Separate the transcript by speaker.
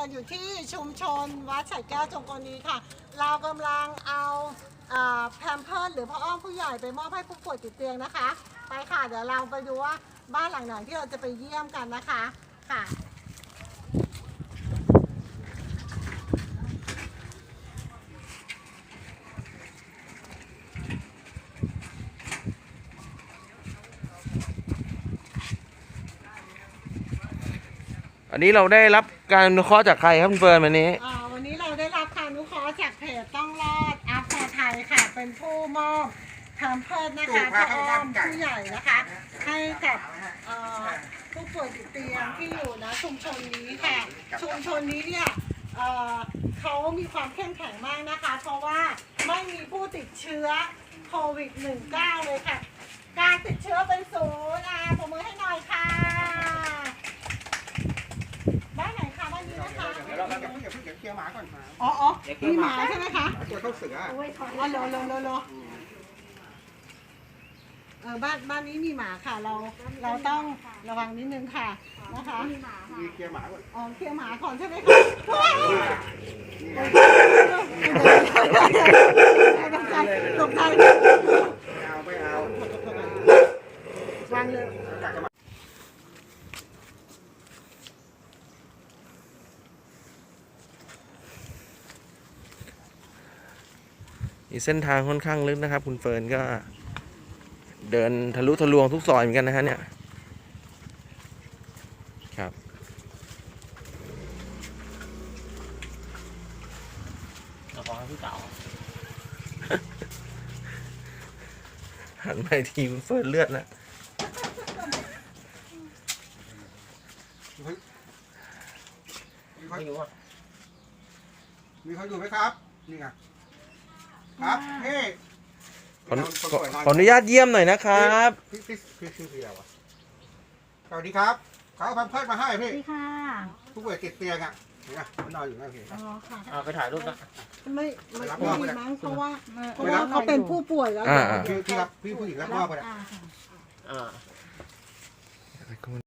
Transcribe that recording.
Speaker 1: กันอยู่ที่ชุมชนวัดไฉแก้วจงกรณีค่ะเรากำลังเอาแพมเพิร์สหรือผ้าอ้อมผู้ใหญ่ไปมอบให้ผู้ป่วยติดเตียงนะคะไปค่ะเดี๋ยวเราไปดูว่าบ้านหลังไหนที่เราจะไปเยี่ยมกันนะคะค่ะ
Speaker 2: อันนี้เราได้รับการอนุเคราะห์จากใครครับคุณเฟิร์นวันนี้
Speaker 1: วันนี้เราได้รับการอนุเคราะห์จากเพจต้องรอดอัพพอไทยค่ะเป็นผู้มอบแพมเพิร์สนะคะผ้าอ้อมผู้ใหญ่นะคะให้กับผู้ป่วยติดเตียงที่อยู่นะชุมชนนี้ค่ะชุมชนนี้เนี่ยเขามีความเข้มแข็งมากนะคะเพราะว่าไม่มีผู้ติดเชื้อโควิด -19 เลยค่ะการติดเชื้อเป็นศูนย์ปรบมือให้หน่อยค่ะบ้านไหนคะบ้านนี้นะคะ
Speaker 3: เดี๋ยวเราจะเพิ่งเคลียร์หมาก่อนมา
Speaker 1: อ๋อมีหมาใช่ไหมคะ
Speaker 3: ตัวเข้าเสือ
Speaker 1: อ๋อรอบ้านนี้มีหมาค่ะเราต้องระวังนิดนึงค่ะนะคะ
Speaker 3: มีเคลียร์หมาก่อน
Speaker 1: เคลียร์หมาก่อนใช่ไหมคะตกใจ
Speaker 3: ไม่เอา
Speaker 1: วางเลย
Speaker 2: เส้นทางค่อนข้างลึกนะครับคุณเฟิร์นก็เดินทะลุทะลวงทุกซอยเหมือนกันนะฮะเนี่ยครับ
Speaker 4: ขอให้พี่เต๋า
Speaker 2: หันไปทีคุณเฟิร์นเลือดแล้ว
Speaker 3: ไม่รู้ว่ามีเขาอยู่ไหมครับนี่ไงครับพี่
Speaker 2: ขออนุญาตเยี่ยมหน่อยนะครับ
Speaker 3: พี่ชื่อพี่อะไรวะสวัสดีครับเขาเอาแพมเพิร์สมาให้พี่
Speaker 1: ค่ะ
Speaker 3: ผู้ป่วยติดเตียงอ่ะเนี่ยมันนอนอยู่นั่นพี่
Speaker 1: ค่ะ
Speaker 4: ไปถ่ายรูปนะ
Speaker 1: ไม่มีมั้งเพราะว่าเขาเป็นผู้ป่วยแล้ว
Speaker 3: พี่ผู้หญิงรับมอบไปแล้ว